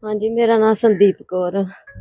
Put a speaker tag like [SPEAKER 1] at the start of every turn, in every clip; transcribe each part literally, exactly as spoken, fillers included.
[SPEAKER 1] हाँ जी, मेरा नाम संदीप कौर।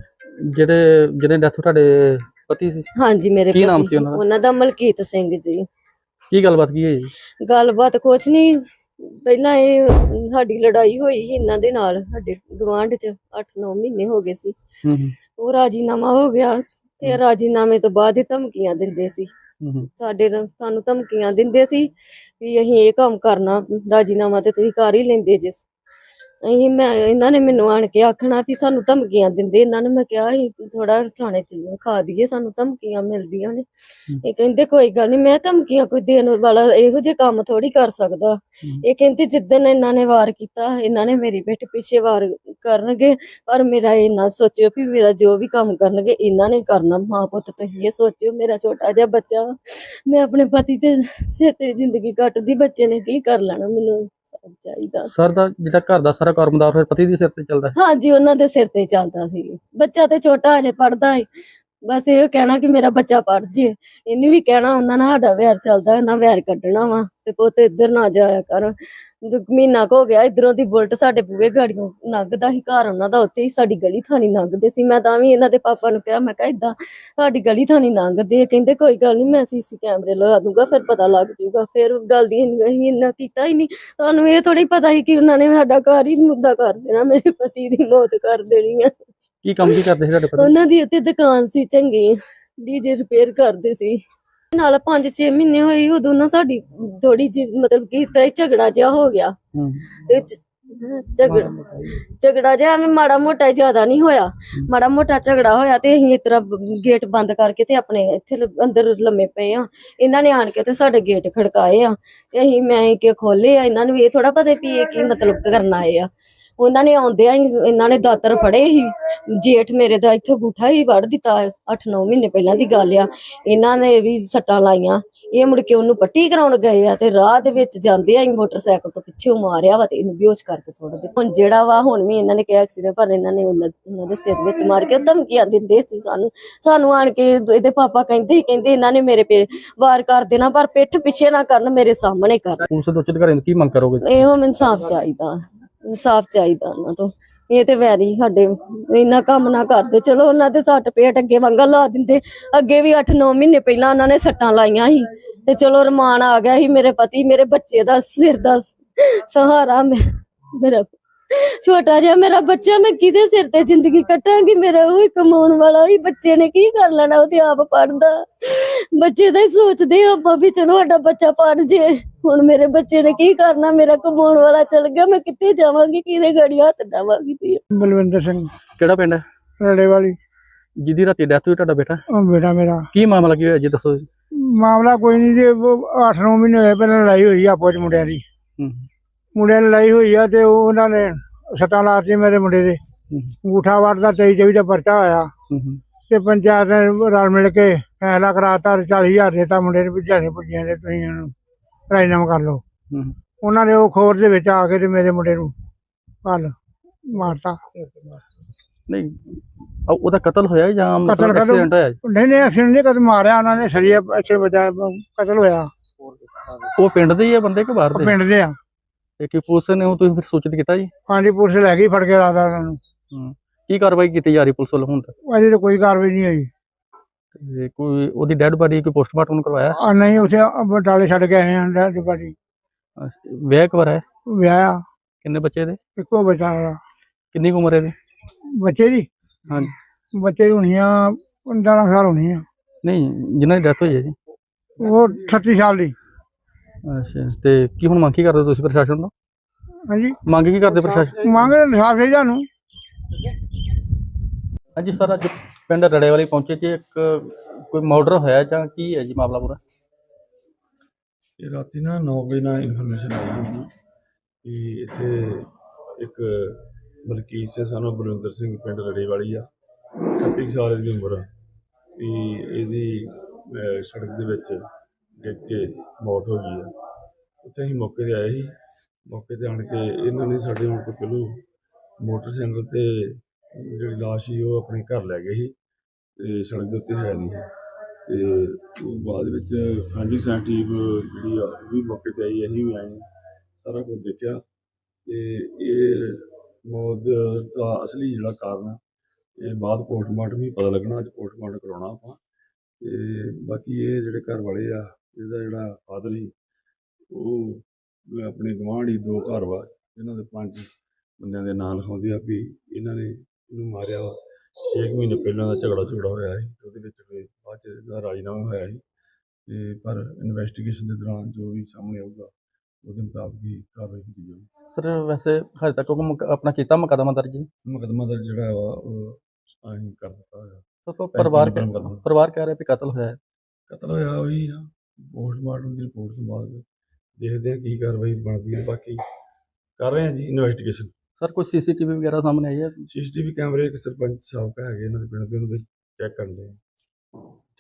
[SPEAKER 2] ਜਿਹੜੇ ਜਿਹਨੇ ਡੈਥ ਤੁਹਾਡੇ ਪਤੀ ਸੀ
[SPEAKER 1] हाँ जी, मेरे
[SPEAKER 2] ਕੀ ਨਾਮ
[SPEAKER 1] पति
[SPEAKER 2] ਸੀ ਉਹਨਾਂ ਦਾ
[SPEAKER 1] उन्हां दा मलकीत सिंह जी।
[SPEAKER 2] ਕੀ ਗੱਲਬਾਤ ਕੀ ਹੋਈ ਜੀ?
[SPEAKER 1] गलबात कुछ नहीं, ਪਹਿਲਾਂ ਇਹ ਸਾਡੀ ਲੜਾਈ ਹੋਈ ਸੀ ਇਹਨਾਂ ਦੇ ਨਾਲ ਸਾਡੇ ਗਵਾਂਢ ਚ ਅੱਠ ਨੌ ਮਹੀਨੇ ਹੋ ਗਏ ਸੀ।
[SPEAKER 2] ਹੂੰ ਹੂੰ
[SPEAKER 1] ਉਹ ਰਾਜੀਨਾਮਾ ਹੋ ਗਿਆ ਤੇ ਰਾਜੀਨਾਮੇ ਤੋਂ ਬਾਅਦ ਹੀ ਧਮਕੀਆਂ ਦਿੰਦੇ ਸੀ।
[SPEAKER 2] ਹੂੰ ਹੂੰ
[SPEAKER 1] ਸਾਡੇ ਨਾਲ ਸਾਨੂੰ ਧਮਕੀਆਂ ਦਿੰਦੇ ਸੀ ਵੀ ਅਸੀਂ ਇਹ ਕੰਮ ਕਰਨਾ, ਰਾਜੀਨਾਮਾ ਤੇ ਤੁਸੀਂ ਕਰ ਹੀ ਲੈਂਦੇ ਜਿਸ ਅਸੀਂ ਮੈਂ ਇਹਨਾਂ ਨੇ ਮੈਨੂੰ ਆਣ ਕੇ ਆਖਣਾ ਵੀ ਸਾਨੂੰ ਧਮਕੀਆਂ ਦਿੰਦੇ। ਇਹਨਾਂ ਨੇ ਮੈਂ ਕਿਹਾ ਸੀ ਥੋੜਾ ਥਾਣੇ ਚ ਖਾ ਦਈਏ, ਸਾਨੂੰ ਧਮਕੀਆਂ ਮਿਲਦੀਆਂ ਨੇ। ਇਹ ਕਹਿੰਦੇ ਕੋਈ ਗੱਲ ਨਹੀਂ, ਮੈਂ ਧਮਕੀਆਂ ਕੋਈ ਦੇਣ ਵਾਲਾ ਇਹੋ ਜਿਹੇ ਕੰਮ ਥੋੜੀ ਕਰ ਸਕਦਾ। ਇਹ ਕਹਿੰਦੇ ਜਿੱਦਣ ਇਹਨਾਂ ਨੇ ਵਾਰ ਕੀਤਾ, ਇਹਨਾਂ ਨੇ ਮੇਰੀ ਪਿੱਠ ਪਿੱਛੇ ਵਾਰ ਕਰਨਗੇ, ਪਰ ਮੇਰਾ ਇਹ ਨਾ ਸੋਚਿਓ ਵੀ ਮੇਰਾ ਜੋ ਵੀ ਕੰਮ ਕਰਨਗੇ ਇਹਨਾਂ ਨੇ ਕਰਨਾ। ਮਾਂ ਪੁੱਤ ਤੁਸੀਂ ਇਹ ਸੋਚਿਓ, ਮੇਰਾ ਛੋਟਾ ਜਿਹਾ ਬੱਚਾ, ਮੈਂ ਆਪਣੇ ਪਤੀ ਤੇ ਸਿਰ ਤੇ ਜ਼ਿੰਦਗੀ ਕੱਟਦੀ, ਬੱਚੇ ਨੇ ਕੀ ਕਰ ਲੈਣਾ, ਮੈਨੂੰ ਚਾਹੀਦਾ।
[SPEAKER 2] ਸਰ ਦਾ ਜਿਹੜਾ ਘਰ ਦਾ ਸਾਰਾ ਕਾਰੋਬਾਰ ਫਿਰ ਪਤੀ ਦੇ ਸਿਰ ਤੇ ਚੱਲਦਾ ਹੈ?
[SPEAKER 1] ਹਾਂਜੀ, ਉਹਨਾਂ ਦੇ ਸਿਰ ਤੇ ਚੱਲਦਾ ਸੀ। ਬੱਚਾ ਤੇ ਛੋਟਾ ਅਜੇ ਪੜਦਾ ਹੈ, ਬਸ ਇਹ ਕਹਿਣਾ ਕਿ ਮੇਰਾ ਬੱਚਾ ਪੜ ਜੇ। ਇਹਨੇ ਵੀ ਕਹਿਣਾ ਉਹਨਾਂ ਨਾਲ ਸਾਡਾ ਵੈਰ ਚੱਲਦਾ, ਇਹਨਾਂ ਵੈਰ ਕੱਢਣਾ ਵਾ ਤੇ ਪੁੱਤ ਇੱਧਰ ਨਾ ਜਾਇਆ ਕਰ। ਮਹੀਨਾ ਕੁ ਹੋ ਗਿਆ ਇਧਰੋਂ ਦੀ ਬੁਲਟ ਸਾਡੇ ਬੂਹੇ ਗਾੜੀਆਂ ਲੰਘਦਾ ਸੀ, ਘਰ ਉਹਨਾਂ ਦਾ ਉੱਥੇ ਹੀ, ਸਾਡੀ ਗਲੀ ਥਾਣੀ ਲੰਘਦੇ ਸੀ। ਮੈਂ ਤਾਂ ਵੀ ਇਹਨਾਂ ਦੇ ਪਾਪਾ ਨੂੰ ਕਿਹਾ, ਮੈਂ ਕਿਹਾ ਏਦਾਂ ਤੁਹਾਡੀ ਗਲੀ ਥਾਣੀ ਲੰਘਦੇ, ਕਹਿੰਦੇ ਕੋਈ ਗੱਲ ਨਹੀਂ, ਮੈਂ ਸੀਸੀ ਕੈਮਰੇ ਲਗਾ ਦੂੰਗਾ, ਫਿਰ ਪਤਾ ਲੱਗ ਜੂਗਾ। ਫਿਰ ਗੱਲ ਦੀ ਅਸੀਂ ਇੰਨਾ ਕੀਤਾ ਹੀ ਨਹੀਂ। ਤੁਹਾਨੂੰ ਇਹ ਥੋੜੀ ਪਤਾ ਸੀ ਕਿ ਉਹਨਾਂ ਨੇ ਸਾਡਾ ਘਰ ਹੀ ਮੁੱਦਾ ਕਰ ਦੇਣਾ, ਮੇਰੇ ਪਤੀ ਦੀ ਮੌਤ ਕਰ ਦੇਣੀ ਆ।
[SPEAKER 2] ਕੀ ਕੰਮ ਕੀ ਕਰਦੇ ਸੀ ਤੁਹਾਡੇ ਪਤੀ?
[SPEAKER 1] ਉਹਨਾਂ ਦੀ ਉੱਤੇ ਦੁਕਾਨ ਸੀ ਚੰਗੀ, ਡੀਜੇ ਰਿਪੇਅਰ ਕਰਦੇ ਸੀ। ਨਾਲ ਪੰਜ ਛੇ ਮਹੀਨੇ ਹੋਏ, ਉਦੋਂ ਨਾ ਸਾਡੀ ਥੋੜੀ ਜਿਹੀ ਮਤਲਬ ਕਿ ਇਸ ਤਰ੍ਹਾਂ ਹੀ ਝਗੜਾ ਜਿਹਾ ਹੋ ਗਿਆ।
[SPEAKER 2] ਹੂੰ
[SPEAKER 1] ਤੇ ਝਗੜਾ ਝਗੜਾ ਜਿਹਾ ਐਵੇਂ ਮਾੜਾ ਮੋਟਾ, ਜ਼ਿਆਦਾ ਨਹੀਂ ਹੋਇਆ, ਮਾੜਾ ਮੋਟਾ ਝਗੜਾ ਹੋਇਆ ਤੇ ਅਸੀਂ ਇਸ ਤਰ੍ਹਾਂ ਗੇਟ ਬੰਦ ਕਰਕੇ ਤੇ ਆਪਣੇ ਇੱਥੇ ਅੰਦਰ ਲੰਮੇ ਪਏ ਆ। ਇਹਨਾਂ ਨੇ ਆਣ ਕੇ ਤੇ ਸਾਡੇ ਗੇਟ ਖੜਕਾਏ ਆ ਤੇ ਅਸੀਂ ਮੈਂ ਕਿ ਖੋਲੇ ਆ। ਇਹਨਾਂ ਨੂੰ ਇਹ ਥੋੜਾ ਪਤਾ ਵੀ ਇਹ ਕੀ ਮਤਲਬ ਕਰਨ ਆਏ ਆ। ਉਹਨਾਂ ਨੇ ਆਉਂਦਿਆਂ ਹੀ ਇਹਨਾਂ ਨੇ ਦਾਤਰ ਫੜੇ ਸੀ। ਜੇਠ ਮੇਰੇ ਦਾ ਇੱਥੋਂ ਗੂਠਾ ਹੀ ਵੜ ਦਿੱਤਾ, ਅੱਠ ਨੌ ਮਹੀਨੇ ਪਹਿਲਾਂ ਦੀ ਗੱਲ ਆ। ਇਹਨਾਂ ਨੇ ਵੀ ਸੱਟਾਂ ਲਾਈਆਂ। ਇਹ ਮੁੜ ਕੇ ਉਹਨੂੰ ਪੱਟੀ ਕਰਾਉਣ ਗਏ ਆ ਤੇ ਰਾਹ ਦੇ ਵਿੱਚ ਜਾਂਦੇ ਆ ਮੋਟਰਸਾਈਕਲ ਤੋਂ ਪਿੱਛੇ ਮਾਰਿਆ ਵਾ ਤੇ ਇਹਨੂੰ ਬੇਹੋਸ਼ ਕਰਕੇ ਸੁੱਟ ਦਿੱਤਾ। ਹੁਣ ਜਿਹੜਾ ਵਾ ਹੁਣ ਵੀ ਇਹਨਾਂ ਨੇ ਕਿਹਾ ਐਕਸੀਡੈਂਟ, ਪਰ ਇਹਨਾਂ ਨੇ ਉਹਨਾਂ ਉਹਨਾਂ ਦੇ ਸਿਰ ਵਿੱਚ ਮਾਰ ਕੇ ਧਮਕੀਆਂ ਦਿੰਦੇ ਸੀ ਸਾਨੂੰ। ਸਾਨੂੰ ਆਣ ਕੇ ਇਹਦੇ ਪਾਪਾ ਕਹਿੰਦੇ ਸੀ, ਕਹਿੰਦੇ ਇਹਨਾਂ ਨੇ ਮੇਰੇ ਪੇ ਵਾਰ ਕਰ ਦੇਣਾ, ਪਰ ਪਿੱਠ ਪਿੱਛੇ ਨਾ ਕਰਨ, ਮੇਰੇ ਸਾਹਮਣੇ ਕਰਨ।
[SPEAKER 2] ਪੁਲਿਸ ਦੇ ਉੱਚ ਅਧਿਕਾਰੀਆਂ ਤੋਂ ਕੀ ਮੰਗ ਕਰੋਗੇ?
[SPEAKER 1] ਇਹੋ ਮੈਨੂੰ ਇਨਸਾਫ ਚਾਹੀਦਾ, ਇਨਸਾਫ ਚਾਹੀਦਾ ਉਹਨਾਂ ਤੋਂ। ਇਹ ਤੇ ਵੈਰੀ ਸਾਡੇ ਇੰਨਾ ਕੰਮ ਨਾ ਕਰਦੇ। ਚਲੋ ਉਹਨਾਂ ਦੇ ਸੱਟ ਪੇਟ ਅੱਗੇ ਵਾਂਗਾ ਲਾ ਦਿੰਦੇ, ਅੱਗੇ ਵੀ ਅੱਠ ਨੌ ਮਹੀਨੇ ਪਹਿਲਾਂ ਉਹਨਾਂ ਨੇ ਸੱਟਾਂ ਲਾਈਆਂ ਸੀ ਤੇ ਚਲੋ ਰਮਾਨ ਆ ਗਿਆ ਸੀ। ਮੇਰੇ ਪਤੀ ਮੇਰੇ ਬੱਚੇ ਦਾ ਸਿਰ ਦਾ ਸਹਾਰਾ, ਮੈਂ ਮੇਰਾ ਛੋਟਾ ਜਿਹਾ ਮੇਰਾ ਬੱਚਾ, ਮੈਂ ਕਿਹਦੇ ਸਿਰ ਤੇ ਜ਼ਿੰਦਗੀ ਕੱਟਾਂਗੀ? ਮੇਰਾ ਉਹ ਕਮਾਉਣ ਵਾਲਾ ਹੀ, ਬੱਚੇ ਨੇ ਕੀ ਕਰ ਲੈਣਾ, ਉਹ ਤੇ ਆਪ ਪੜਦਾ। ਬੱਚੇ ਦਾ ਹੀ ਸੋਚਦੇ ਆਪਾਂ ਵੀ ਚਲੋ ਸਾਡਾ ਬੱਚਾ ਪੜ ਜੇ। ਹੁਣ ਮੇਰੇ ਬੱਚੇ ਨੇ ਕੀ ਕਰਨਾ, ਮੇਰਾ ਕਮਾਉਣ ਵਾਲਾ ਚਲ ਗਿਆ, ਮੈਂ ਕਿੱਥੇ ਜਾਵਾਂਗੀ, ਕਿਹਦੇ ਗਾੜੀ ਹੱਥ ਡਾਵਾਂਗੀ? ਤੇ
[SPEAKER 3] ਬਲਵਿੰਦਰ ਸਿੰਘ,
[SPEAKER 2] ਕਿਹੜਾ ਪਿੰਡ ਹੈ?
[SPEAKER 3] ਰੜੇ ਵਾਲੀ।
[SPEAKER 2] ਜਿਹਦੀ ਰਾਤੀ ਡੈਥ ਹੋਈ ਤੁਹਾਡਾ ਬੇਟਾ,
[SPEAKER 3] ਉਹ ਬੇਟਾ ਮੇਰਾ।
[SPEAKER 2] ਕੀ ਮਾਮਲਾ ਕੀ ਹੋਇਆ ਜੀ, ਦੱਸੋ ਜੀ।
[SPEAKER 3] ਮਾਮਲਾ ਕੋਈ ਨਹੀਂ ਜੀ, ਅੱਠ ਨੌ ਮਹੀਨੇ ਹੋਏ ਪਹਿਲਾਂ ਲੜਾਈ ਹੋਈ ਆਪੋ ਚ ਮੁੰਡਿਆਂ ਦੀ।
[SPEAKER 2] ਹੂੰ
[SPEAKER 3] ਮੁੰਡਿਆਂ ਦੀ ਲੜਾਈ ਹੋਈ ਆ ਤੇ ਉਹ ਉਹਨਾਂ ਨੇ ਸੱਟਾਂ ਲਾਤੀ ਮੇਰੇ ਮੁੰਡੇ ਦੇ। ਅੰਗੂਠਾ ਵਾਰ ਦਾ ਤੇਈ ਚੌਵੀ ਦਾ ਪਰਚਾ ਹੋਇਆ
[SPEAKER 2] ਹੂੰ ਹੂੰ
[SPEAKER 3] ਤੇ ਪੰਚਾਇਤ ਨੇ ਰਲ ਮਿਲ ਕੇ ਫੈਸਲਾ ਕਰਾਤਾ, ਚਾਲੀ ਹਜ਼ਾਰ ਦੇਤਾ ਮੁੰਡੇ ਨੂੰ ਵੀ ਦਿਹਾੜੀ ਪੁੱਜੀਆਂ ਦੇ, ਤੁਸੀਂ ਇਹਨੂੰ ਰਾਜੀਨਾਮਾ ਕਰ ਲਓ।
[SPEAKER 2] ਹੂੰ
[SPEAKER 3] ਉਹਨਾਂ ਨੇ ਉਹ ਖੋਰ ਦੇ ਵਿੱਚ ਆ ਕੇ ਤੇ ਮੇਰੇ ਮੁੰਡੇ ਨੂੰ ਕੱਲ ਮਾਰਤਾ।
[SPEAKER 2] ਨਹੀਂ ਉਹ- ਉਹਦਾ ਕਤਲ ਹੋਇਆ ਜਾਂ
[SPEAKER 3] ਕਤਲ ਕਤਲ
[SPEAKER 2] ਐਕਸੀਡੈਂਟ ਹੋਇਆ ਜੀ?
[SPEAKER 3] ਨਹੀਂ ਨਹੀਂ ਐਕਸੀਡੈਂਟ ਨਹੀਂ, ਕਦੇ ਮਾਰਿਆ ਉਹਨਾਂ ਨੇ, ਸਰੀਆ ਅੱਛੇ ਬਚਾ ਕਤਲ ਹੋਇਆ।
[SPEAKER 2] ਉਹ ਪਿੰਡ ਦੇ ਹੀ ਆ ਬੰਦੇ ਕਿ ਬਾਹਰ
[SPEAKER 3] ਉਹ
[SPEAKER 2] ਦੇ?
[SPEAKER 3] ਪਿੰਡ ਦੇ ਆ।
[SPEAKER 2] ਤੇ ਕੀ ਪੁਲਿਸ ਨੇ ਉਹ ਤੁਸੀਂ ਫਿਰ ਸੂਚਿਤ ਕੀਤਾ ਜੀ?
[SPEAKER 3] ਹਾਂਜੀ, ਪੁਲਿਸ ਲੈ ਗਈ ਫੜ ਕੇ ਰਾਦਾ ਉਹਨਾਂ ਨੂੰ।
[SPEAKER 2] ਹੂੰ ਕੀ ਕਾਰਵਾਈ ਕੀਤੀ ਜਾ ਰਹੀ ਪੁਲਿਸ ਵੱਲੋਂ ਹੁਣ ਤੱਕ?
[SPEAKER 3] ਅਜੇ ਤਾਂ ਕੋਈ ਕਾਰਵਾਈ ਨਹੀਂ ਹੋਈ।
[SPEAKER 2] ਤੇ ਕੋਈ ਉਹਦੀ ਡੈੱਡ ਬਾਡੀ ਕੋਈ ਪੋਸਟਮਾਰਟਮ ਕਰਵਾਇਆ?
[SPEAKER 3] ਆ ਨਹੀਂ, ਉੱਥੇ ਬਟਾਲੇ ਛੱਡ ਕੇ ਆਏ ਆ ਡੈਡ ਬਾਡੀ।
[SPEAKER 2] ਵਿਆਹ ਕਵਾਰ ਹੈ?
[SPEAKER 3] ਵਿਆਹ
[SPEAKER 2] ਕਿੰਨੇ ਬੱਚੇ ਦੇ?
[SPEAKER 3] ਇੱਕੋ ਬੱਚਾ ਉਹਦਾ।
[SPEAKER 2] ਕਿੰਨੀ ਕੁ ਉਮਰ ਹੈ ਇਹਦੀ?
[SPEAKER 3] ਬੱਚੇ ਦੀ
[SPEAKER 2] ਹਾਂਜੀ।
[SPEAKER 3] ਬੱਚੇ ਦੀ ਹੋਣੀ ਆ ਪੰਦਰਾਂ ਸਾਲ ਹੋਣੀ ਆ।
[SPEAKER 2] ਨਹੀਂ ਜਿਨ੍ਹਾਂ ਦੀ ਡੈਥ ਹੋਈ ਹੈ ਜੀ?
[SPEAKER 3] ਉਹ ਅਠੱਤੀ ਸਾਲ ਦੀ।
[SPEAKER 2] ਅੱਛਾ, ਤੇ ਕੀ ਹੁਣ ਮੰਗ ਕੀ ਕਰਦੇ ਤੁਸੀਂ ਪ੍ਰਸ਼ਾਸਨ ਤੋਂ?
[SPEAKER 3] ਹਾਂਜੀ,
[SPEAKER 2] ਮੰਗ ਕੀ ਕਰਦੇ ਪ੍ਰਸ਼ਾਸਨ?
[SPEAKER 3] ਮੰਗ ਇਨਸਾਫ ਚਾਹੀਦਾ ਨੂੰ।
[SPEAKER 2] ਹਾਂਜੀ ਸਰ, ਅੱਜ ਪਿੰਡ ਰੜੇ ਵਾਲੀ ਪਹੁੰਚੇ ਜੀ, ਇੱਕ ਕੋਈ ਮਰਡਰ ਹੋਇਆ ਜਾਂ ਕੀ ਹੈ ਜੀ ਮਾਮਲਾ ਪੂਰਾ?
[SPEAKER 4] ਇਹ ਰਾਤੀ ਨਾ ਨੌ ਵਜੇ ਨਾਲ ਇਨਫੋਰਮੇਸ਼ਨ ਆਈ ਸੀ ਕਿ ਇੱਥੇ ਇੱਕ ਮਲਕੀਤ ਸਿੰਘ ਸਾਨੂੰ ਬਲਵਿੰਦਰ ਸਿੰਘ ਪਿੰਡ ਰੜੇ ਵਾਲੀ ਆ, ਅਠੱਤੀ ਸਾਲ ਦੀ ਉਮਰ ਆ, ਵੀ ਇਹਦੀ ਅਹ, ਸੜਕ ਦੇ ਵਿੱਚ ਡਿੱਗ ਕੇ ਮੌਤ ਹੋ ਗਈ ਆ। ਉੱਥੇ ਅਸੀਂ ਮੌਕੇ 'ਤੇ ਆਏ ਸੀ। ਮੌਕੇ 'ਤੇ ਆਣ ਕੇ ਇਹਨਾਂ ਨੇ ਸਾਡੇ ਹੁਣ ਤੋਂ ਪਹਿਲੋਂ ਮੋਟਰਸਾਈਕਲ 'ਤੇ ਜਿਹੜੀ ਲਾਸ਼ ਸੀ ਉਹ ਆਪਣੇ ਘਰ ਲੈ ਗਏ ਸੀ ਤੇ ਸੜਕ ਦੇ ਉੱਤੇ ਹੈ ਨਹੀਂ ਸੀ। ਤੇ ਉਹ ਬਾਅਦ ਵਿੱਚ ਫੈਂਜੀ ਸਾਇੰਸ ਟੀਮ ਜਿਹੜੀ ਆ ਉਹ ਵੀ ਮੌਕੇ 'ਤੇ ਆਈ, ਅਸੀਂ ਵੀ ਆਏ, ਸਾਰਾ ਕੁਝ ਦੇਖਿਆ ਤੇ ਇਹ ਮੌਤ ਦਾ ਅਸਲੀ ਜਿਹੜਾ ਕਾਰਨ ਆ ਇਹ ਬਾਅਦ ਪੋਸਟਮਾਰਟਮ ਹੀ ਪਤਾ ਲੱਗਣਾ। ਅੱਜ ਪੋਸਟਮਾਰਟਮ ਕਰਾਉਣਾ ਆਪਾਂ। ਤੇ ਬਾਕੀ ਇਹ ਜਿਹੜੇ ਘਰ ਵਾਲੇ ਆ, ਇਹਦਾ ਜਿਹੜਾ ਫਾਦਰ ਸੀ ਉਹ ਆਪਣੇ ਗੁਆਂਢ ਹੀ ਦੋ ਘਰ ਵਾ ਇਹਨਾਂ ਦੇ ਪੰਜ ਬੰਦਿਆਂ ਦੇ ਨਾਂ ਲਿਖਾਉਂਦੇ ਆ ਵੀ ਇਹਨਾਂ ਨੇ ਇਹਨੂੰ ਮਾਰਿਆ ਵਾ। ਛੇ ਕੁ ਮਹੀਨੇ ਪਹਿਲਾਂ ਦਾ ਝਗੜਾ ਝਗੜਾ ਹੋਇਆ ਸੀ ਤੇ ਉਹਦੇ ਵਿੱਚ ਫਿਰ ਬਾਅਦ 'ਚ ਇਹਦਾ ਰਾਜੀਨਾਮਾ ਹੋਇਆ ਸੀ। ਤੇ ਪਰ ਇਨਵੈਸਟੀਗੇਸ਼ਨ ਦੇ ਦੌਰਾਨ ਜੋ ਵੀ ਸਾਹਮਣੇ ਆਊਗਾ ਉਹਦੇ ਮੁਤਾਬਕ ਹੀ ਕਾਰਵਾਈ ਕੀਤੀ ਜਾਊਗੀ।
[SPEAKER 2] ਸਰ ਵੈਸੇ ਹਜੇ ਤੱਕ ਉਹ ਮੁਕ- ਆਪਣਾ ਕੀਤਾ ਮੁਕੱਦਮਾ ਦਰਜ ਜੀ?
[SPEAKER 4] ਮੁਕੱਦਮਾ ਦਰਜ ਜਿਹੜਾ ਵਾ ਉਹ ਅਸੀਂ ਕਰ ਦਿੱਤਾ ਹੋਇਆ।
[SPEAKER 2] ਸਰ ਪ- ਪਰਿਵਾਰ ਕਹਿ-
[SPEAKER 4] ਮੁਕੱਦਮਾ।
[SPEAKER 2] ਪਰਿਵਾਰ ਕਹਿ ਰਿਹਾ ਵੀ ਕਤਲ ਹੋਇਆ ਹੈ।
[SPEAKER 4] ਕਤਲ ਹੋਇਆ ਉਹੀ ਨਾ, ਪੋਸਟਮਾਰਟਮ ਦੀ ਰਿਪੋਰਟ ਤੋਂ ਬਾਅਦ ਦੇਖਦੇ ਆ ਕੀ ਕਾਰਵਾਈ ਬਣਦੀ ਹੈ। ਬਾਕੀ ਕਰ ਰਹੇ ਆ ਜੀ ਇਨਵੈਸਟੀਗੇਸ਼ਨ।
[SPEAKER 2] ਸਰ ਕੋਈ ਸੀਸੀਟੀਵੀ ਵਗੈਰਾ ਸਾਹਮਣੇ ਆਈ ਹੈ?
[SPEAKER 4] ਸੀਸੀਟੀਵੀ ਕੈਮਰੇ ਇੱਕ ਸਰਪੰਚ ਸਾਹਿਬ ਹੈਗੇ ਇਹਨਾਂ ਦੇ ਪਿੰਡ ਦੇ, ਉਹਨਾਂ ਦੇ ਚੈੱਕ ਕਰਨ ਦੇ।